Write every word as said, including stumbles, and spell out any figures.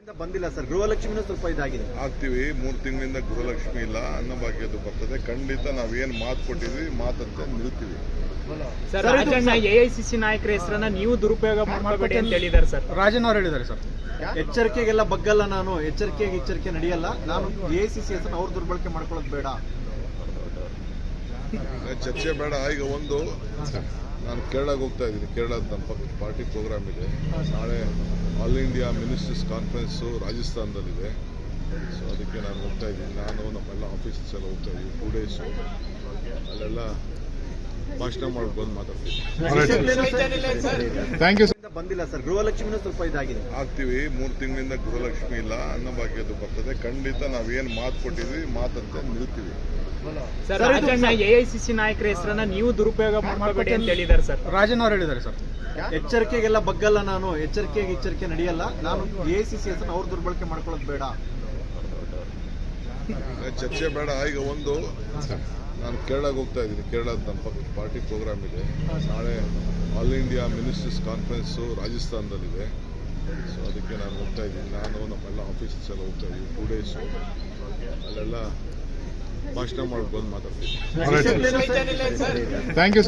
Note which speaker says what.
Speaker 1: ಬಂದಿಲ್ಲ ಸರ್. ಗೃಹಲಕ್ಷ್ಮಿನೂ ಸ್ವಲ್ಪ ಇದಾಗಿದೆ.
Speaker 2: ಆಗ್ತೀವಿ. ಮೂರು ತಿಂಗಳಿಂದ ಗೃಹಲಕ್ಷ್ಮಿ ಇಲ್ಲ, ಅನ್ನಭಾಗ್ಯದ್ದು ಬರ್ತದೆ. ಖಂಡಿತ ನಾವೇನು ಮಾತು ಕೊಟ್ಟಿದ್ವಿ ಮಾತಂತೆ ನಿಲ್ತೀವಿ.
Speaker 3: ಸರ್, ರಾಜಣ್ಣ ಎಐಸಿಸಿ ನಾಯಕರ ಹೆಸರನ್ನ ನೀವು ದುರುಪಯೋಗ ಮಾಡಬೇಡಿ ಅಂತ ಹೇಳಿದ್ದಾರೆ ಸರ್.
Speaker 4: ರಾಜನ್ ಅವರು ಹೇಳಿದ್ದಾರೆ ಸರ್.
Speaker 1: ಎಚ್ಚರಿಕೆಗೆಲ್ಲ ಬಗ್ಗಲ್ಲ ನಾನು, ಎಚ್ಚರಿಕೆಗೆ ಎಚ್ಚರಿಕೆ ನಡೆಯಲ್ಲ ನಾನು. ಎಐಸಿಸಿ ಹೆಸರನ್ನ ಅವ್ರು ದುರ್ಬಳಕೆ ಮಾಡ್ಕೊಳ್ಳೋದು ಬೇಡ,
Speaker 2: ಚರ್ಚೆ ಬೇಡ. ಈಗ ಒಂದು ನಾನು ಕೇರಳಕ್ಕೆ ಹೋಗ್ತಾ ಇದ್ದೀನಿ. ಕೇರಳದ ನಮ್ಮ ಪಕ್ಕ ಪಾರ್ಟಿ ಪ್ರೋಗ್ರಾಮ್ ಇದೆ. ನಾಳೆ ಆಲ್ ಇಂಡಿಯಾ ಮಿನಿಸ್ಟರ್ಸ್ ಕಾನ್ಫರೆನ್ಸು ರಾಜಸ್ಥಾನದಲ್ಲಿದೆ. ಸೊ ಅದಕ್ಕೆ ನಾನು ಹೋಗ್ತಾ ಇದ್ದೀನಿ. ನಾನು ನಮ್ಮೆಲ್ಲ ಆಫೀಸರ್ಸ್ ಎಲ್ಲ ಹೋಗ್ತಾ ಇದ್ದೀವಿ. ಟೂ ಡೇಸು ಅಲ್ಲೆಲ್ಲ ಭಾಷಣ ಮಾಡ್ಕೊಂಡು ಬಂದು ಮಾತಾಡ್ತೀವಿ.
Speaker 4: Thank you.
Speaker 1: ಬಂದಿಲ್ಲ ಸರ್. ಗೃಹಲಕ್ಷ್ಮಿನೂ ಸ್ವಲ್ಪ ಇದಾಗಿದೆ.
Speaker 2: ಆಗ್ತೀವಿ. ಮೂರು ತಿಂಗಳಿಂದ ಗೃಹಲಕ್ಷ್ಮಿ ಇಲ್ಲ, ಅನ್ನಭಾಗ್ಯದ್ದು ಬರ್ತದೆ. ಖಂಡಿತ ನಾವೇನು ಮಾತು ಕೊಟ್ಟಿದ್ವಿ ಮಾತಂತೆ ನಿಲ್ತೀವಿ.
Speaker 3: ಸರ್, ರಾಜಣ್ಣ ಎಐಸಿಸಿ ನಾಯಕರ ಹೆಸರನ್ನ ನೀವು ದುರುಪಯೋಗ ಮಾಡಬೇಡಿ ಅಂತ ಹೇಳಿದ್ದಾರೆ ಸರ್.
Speaker 4: ರಾಜನ್ ಅವರು ಹೇಳಿದ್ದಾರೆ ಸರ್.
Speaker 1: ಎಚ್ಚರಿಕೆಗೆಲ್ಲ ಬಗ್ಗಲ್ಲ ನಾನು, ಎಚ್ಚರಿಕೆಗೆ ಎಚ್ಚರಿಕೆ ನಡೆಯಲ್ಲ ನಾನು. ಎಐಸಿಸಿ ಹೆಸರನ್ನ ಅವ್ರು ದುರ್ಬಳಕೆ ಮಾಡ್ಕೊಳ್ಳೋದು ಬೇಡ,
Speaker 2: ಚರ್ಚೆ ಬೇಡ. ಈಗ ಒಂದು ನಾನು ಕೇರಳಕ್ಕೆ ಹೋಗ್ತಾ ಇದ್ದೀನಿ. ಕೇರಳದ ನಮ್ಮ ಪಕ್ಕ ಪಾರ್ಟಿ ಪ್ರೋಗ್ರಾಮ್ ಇದೆ. ನಾಳೆ ಆಲ್ ಇಂಡಿಯಾ ಮಿನಿಸ್ಟರ್ಸ್ ಕಾನ್ಫರೆನ್ಸು ರಾಜಸ್ಥಾನದಲ್ಲಿದೆ. ಸೊ ಅದಕ್ಕೆ ನಾನು ಹೋಗ್ತಾ ಇದ್ದೀನಿ. ನಾನು ನಮ್ಮೆಲ್ಲ ಆಫೀಸರ್ಸ್ ಎಲ್ಲ ಹೋಗ್ತಾ ಇದ್ದೀವಿ. ಟೂ ಡೇಸು ಅಲ್ಲೆಲ್ಲ ಭಾಷಣ ಮಾಡ್ಕೊಂಡು ಬಂದು ಮಾತಾಡ್ತೀವಿ.
Speaker 4: Thank you.